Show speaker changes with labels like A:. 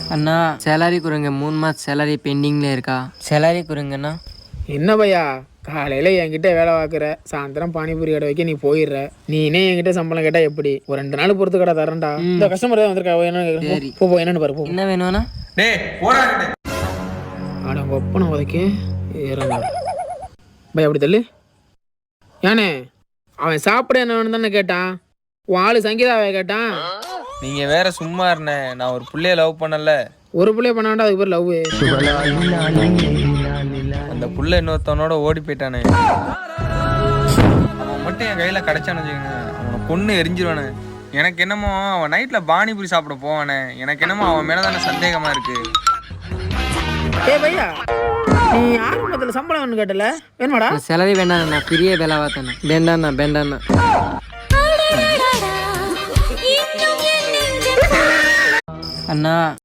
A: அண்ணா salary கொடுங்க, 3 மாதம் salary பெண்டிங்கில் இருக்கா. சேலரி கொடுங்கண்ணா.
B: என்ன பையா, காலையில் என்கிட்ட வேலை பார்க்குற, சாயந்தரம் பானிபூரி கடை வைக்க நீ போயிடுற. நீனே என்கிட்ட சம்பளம் கேட்டால் எப்படி? ஒரு 2 நாள் பொறுத்து கடை தரேன்டா. இந்த கஸ்டமர் தான் வந்திருக்கா, என்னன்னு போ என்னன்னு பாரு.
A: என்ன வேணும்ண்ணா?
B: ஆட ஒப்பனை உதைக்கு ஏறா பையா, அப்படி தள்ளு. ஏனே அவன் சாப்பிட என்ன வேணும் தானே கேட்டான். உன் ஆளு சங்கீதாவை கேட்டான்.
C: நீங்க வேற சும்மா இருந்தே, நான் ஒரு புள்ளைய லவ் பண்ணல.
B: ஒரு புள்ளைய பண்ண வேண்டாம், அதுக்கு பேர் லவ்.
C: அந்த புள்ள இன்னொருத்தவனோட ஓடி போயிட்டானே. அவன் மட்டும் என் கையில கிடைச்சானு வச்சுக்கோங்க, அவனை கொன்னு எரிஞ்சிருவானே. எனக்கு என்னமோ அவன் நைட்ல பானிபூரி சாப்பிட போவானே, எனக்கு என்னமோ அவன் மேலதானே சந்தேகமா இருக்கு.
B: ஏ பையா, நீ ஆரம்பத்தில் சம்பளம் வேணும் கேட்டல, வேணுமாடா?
A: சேலரி வேண்டாண்ணா, பெரிய வேலை பார்த்தேண்ணா. வேண்டாண்ணா. அண்ணா